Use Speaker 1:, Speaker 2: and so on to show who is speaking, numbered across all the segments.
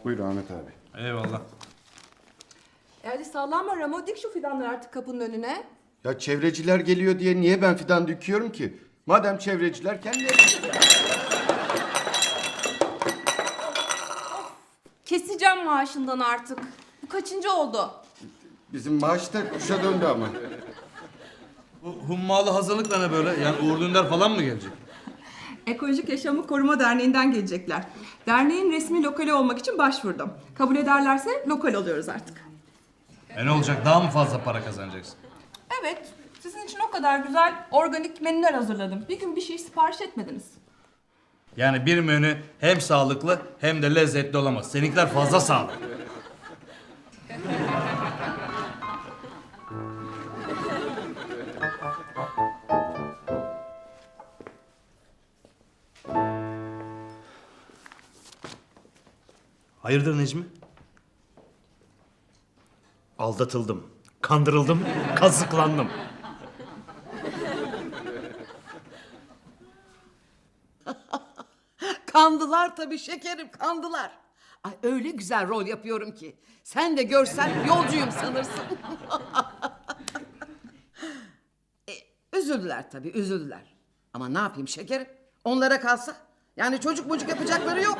Speaker 1: Buyur Ahmet abi.
Speaker 2: Eyvallah.
Speaker 3: Hadi sallanma Ramo, dik şu fidanları artık kapının önüne.
Speaker 1: Ya çevreciler geliyor diye niye ben fidan dikiyorum ki? Madem çevreciler kendileri...
Speaker 3: Keseceğim maaşından artık. Bu kaçıncı oldu?
Speaker 1: Bizim maaş da kuşa döndü ama.
Speaker 2: Bu hummalı hazırlıkla ne böyle? Yani Uğur Dündar falan mı gelecek?
Speaker 3: Ekolojik Yaşamı Koruma Derneği'nden gelecekler. Derneğin resmi lokali olmak için başvurdum. Kabul ederlerse lokal oluyoruz artık.
Speaker 2: Ne olacak? Daha mı fazla para kazanacaksın?
Speaker 3: Evet, sizin için o kadar güzel organik menüler hazırladım. Bir gün bir şey sipariş etmediniz.
Speaker 2: Yani bir menü hem sağlıklı hem de lezzetli olamaz. Seninkiler fazla sağlıklı. Hayırdır Necmi?
Speaker 4: Aldatıldım, kandırıldım, kazıklandım.
Speaker 5: Kandılar tabii şekerim, kandılar. Ay öyle güzel rol yapıyorum ki. Sen de görsen yolcuyum sanırsın. Üzüldüler tabii, üzüldüler. Ama ne yapayım şekerim? Onlara kalsa. Yani çocuk mucuk yapacakları yok.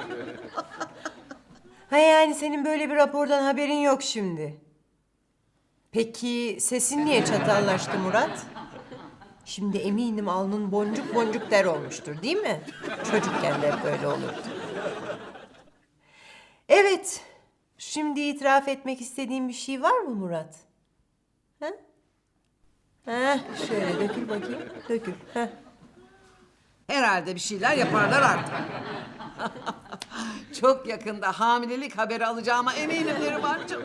Speaker 6: Ha yani senin böyle bir rapordan haberin yok şimdi. Peki sesin niye çatallaştı Murat? Şimdi eminim alnın boncuk boncuk der olmuştur değil mi? Çocukken de hep böyle olurdu. Evet. Şimdi itiraf etmek istediğin bir şey var mı Murat? Ha? Ha, şöyle dökül bakayım. Dökül. Ha.
Speaker 5: Herhalde bir şeyler yaparlar artık. Çok yakında hamilelik haberi alacağıma eminim Nerimancığım.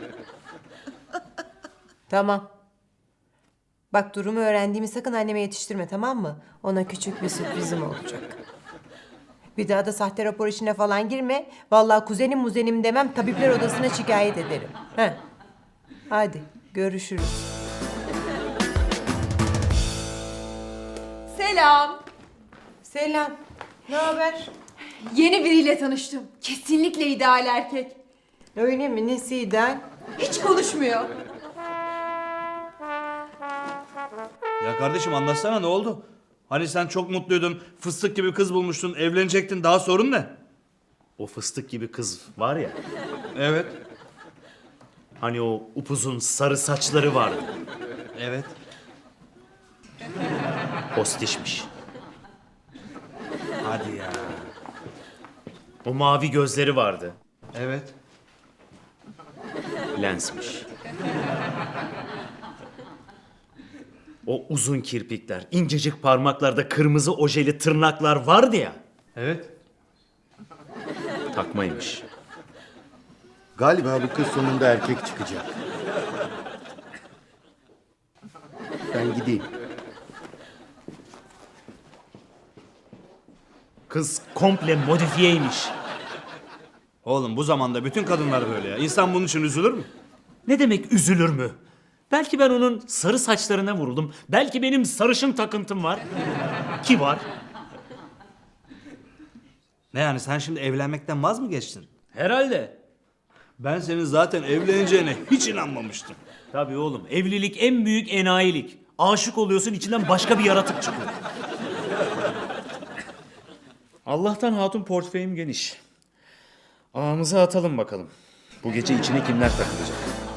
Speaker 6: Tamam. Bak durumu öğrendiğimi sakın anneme yetiştirme tamam mı? Ona küçük bir sürprizim olacak. Bir daha da sahte rapor işine falan girme. Vallahi kuzenim muzenim demem tabipler odasına şikayet ederim. Heh. Hadi görüşürüz.
Speaker 3: Selam.
Speaker 6: Selam. Ne haber?
Speaker 3: Yeni biriyle tanıştım. Kesinlikle ideal erkek.
Speaker 6: Öyle mi? Nesi ideal?
Speaker 3: Hiç konuşmuyor.
Speaker 2: Ya kardeşim anlatsana ne oldu? Hani sen çok mutluydun, fıstık gibi kız bulmuştun, evlenecektin. Daha sorun ne?
Speaker 4: O fıstık gibi kız var ya,
Speaker 2: Evet.
Speaker 4: hani o upuzun sarı saçları vardı.
Speaker 2: Evet.
Speaker 4: Postişmiş.
Speaker 2: Hadi ya.
Speaker 4: O mavi gözleri vardı.
Speaker 2: Evet.
Speaker 4: Lensmiş. O uzun kirpikler, incecik parmaklarda kırmızı ojeli tırnaklar vardı ya.
Speaker 2: Evet.
Speaker 4: Takmaymış.
Speaker 1: Galiba bu kız sonunda erkek çıkacak. Ben gideyim.
Speaker 4: Kız komple modifiyeymiş.
Speaker 2: Oğlum bu zamanda bütün kadınlar böyle ya. İnsan bunun için üzülür mü?
Speaker 4: Ne demek üzülür mü? Belki ben onun sarı saçlarına vuruldum. Belki benim sarışın takıntım var. Ki var.
Speaker 2: Ne yani sen şimdi evlenmekten vaz mı geçtin?
Speaker 4: Herhalde.
Speaker 2: Ben senin zaten evleneceğine hiç inanmamıştım.
Speaker 4: Tabii oğlum, evlilik en büyük enayilik. Aşık oluyorsun, içinden başka bir yaratık çıkıyor. Allah'tan hatun portföyüm geniş. Ağımıza atalım bakalım. Bu gece içine kimler takılacak?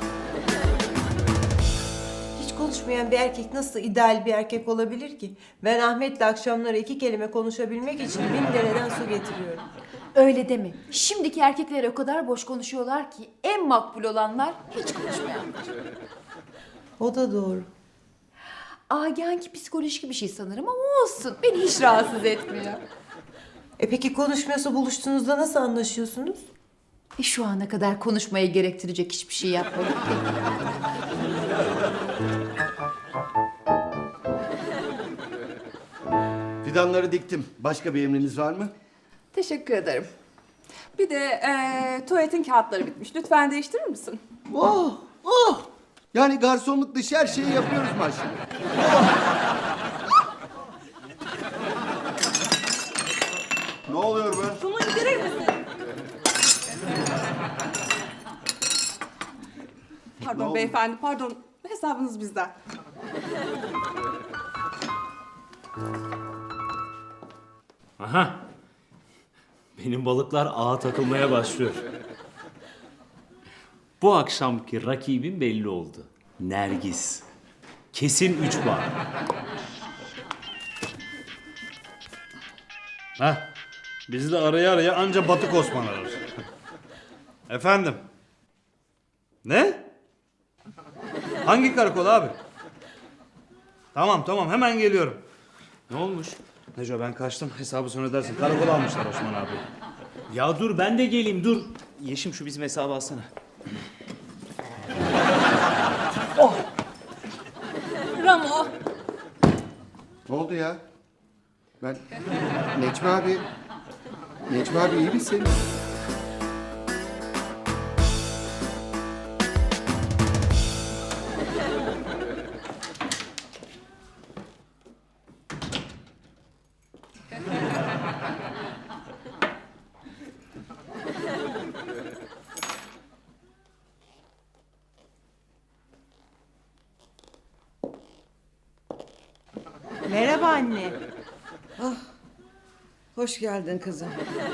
Speaker 6: Hiç konuşmayan bir erkek nasıl ideal bir erkek olabilir ki? Ben Ahmet'le akşamları 2 kelime konuşabilmek için 1000 dereden su getiriyorum.
Speaker 7: Öyle deme. Şimdiki erkekler o kadar boş konuşuyorlar ki en makbul olanlar hiç konuşmayanlar.
Speaker 6: O da doğru.
Speaker 7: Agenki psikolojik bir şey sanırım ama olsun. Beni hiç rahatsız etmiyor.
Speaker 6: Peki konuşmuyorsa buluştuğunuzda nasıl anlaşıyorsunuz?
Speaker 7: Şu ana kadar konuşmayı gerektirecek hiçbir şey yapmadık ki.
Speaker 1: Fidanları diktim. Başka bir emriniz var mı?
Speaker 3: Teşekkür ederim. Bir de tuvaletin kağıtları bitmiş. Lütfen değiştirir misin?
Speaker 1: Oh, oh. Yani garsonluk dışı her şeyi yapıyoruz maşallah. Ne oluyor be?
Speaker 3: Şunu indirir misin? Pardon
Speaker 1: oldu?
Speaker 3: beyefendi, pardon. Hesabınız bizden.
Speaker 4: Aha. Benim balıklar ağa takılmaya başlıyor. Bu akşamki rakibim belli oldu. Nergis. Kesin 3 bar.
Speaker 2: Heh. Bizi de araya araya anca Batık Osman arar. Efendim? Ne? Hangi karakol abi? Tamam tamam hemen geliyorum.
Speaker 4: Ne olmuş?
Speaker 2: Neco ben kaçtım. Hesabı sonra ödersin. Karakola almışlar Osman abi.
Speaker 4: Ya dur ben de geleyim dur. Yeşim şu bizim hesabı alsana.
Speaker 7: Ramo.
Speaker 1: Ne oldu ya? Ben... Necmi abi... Necmi abi iyi misin?
Speaker 6: Merhaba anne.
Speaker 5: Hoş geldin kızım.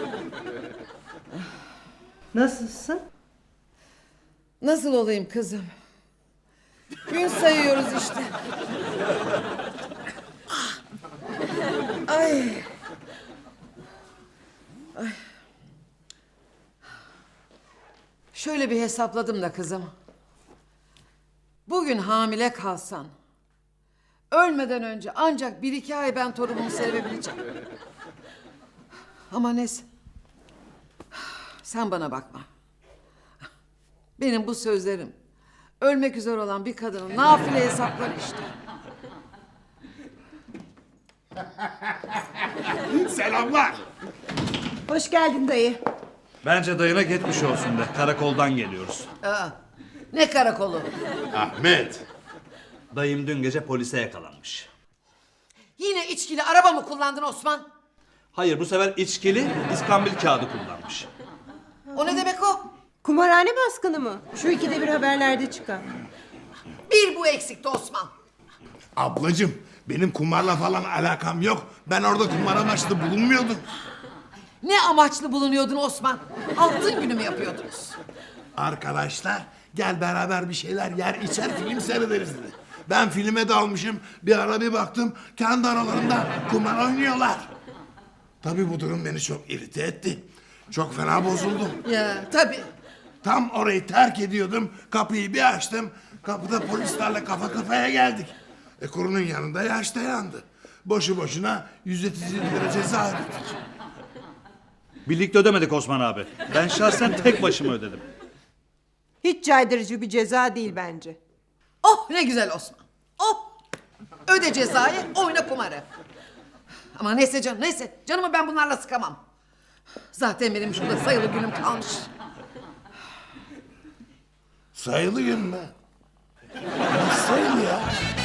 Speaker 6: Nasılsın?
Speaker 5: Nasıl olayım kızım? Gün sayıyoruz işte. Ay. Ay. Şöyle bir hesapladım da kızım. Bugün hamile kalsan, ölmeden önce ancak 1-2 ay ben torunumu sevebileceğim. Ama neyse. Sen bana bakma. Benim bu sözlerim ölmek üzere olan bir kadının nafile hesapları işte.
Speaker 8: Selamlar.
Speaker 6: Hoş geldin dayı.
Speaker 2: Bence dayına geçmiş olsun de. Karakoldan geliyoruz.
Speaker 5: Aa, ne karakolu?
Speaker 8: Ahmet.
Speaker 2: Dayım dün gece polise yakalanmış.
Speaker 5: Yine içkili araba mı kullandın Osman?
Speaker 2: Hayır bu sefer içkili iskambil kağıdı kullanmış.
Speaker 5: O ne demek o?
Speaker 6: Kumarhane baskını mı? Şu ikide bir haberlerde çıkan.
Speaker 5: Bir bu eksikti Osman.
Speaker 8: Ablacığım benim kumarla falan alakam yok. Ben orada kumar amaçlı bulunmuyordum.
Speaker 5: Ne amaçlı bulunuyordun Osman? Altın günü mü yapıyordunuz?
Speaker 8: Arkadaşlar gel beraber bir şeyler yer içer film seyrederiz dedi. Ben filme dalmışım. Bir ara bir baktım kendi aralarında kumar oynuyorlar. Tabii bu durum beni çok irite etti. Çok fena bozuldum.
Speaker 5: Ya tabii.
Speaker 8: Tam orayı terk ediyordum. Kapıyı bir açtım. Kapıda polislerle kafa kafaya geldik. Kurunun yanında yaşta yandı. Boşu boşuna 137 lira ceza ödedik.
Speaker 2: Birlikte ödemedik Osman abi. Ben şahsen tek başıma ödedim.
Speaker 6: Hiç caydırıcı bir ceza değil bence.
Speaker 5: Oh ne güzel Osman. Oh. Öde cezayı, oyna kumarı. Ama neyse canım neyse. Canımı ben bunlarla sıkamam. Zaten benim şurada sayılı günüm kalmış.
Speaker 8: Sayılı gün mü? Nasıl sayılı ya?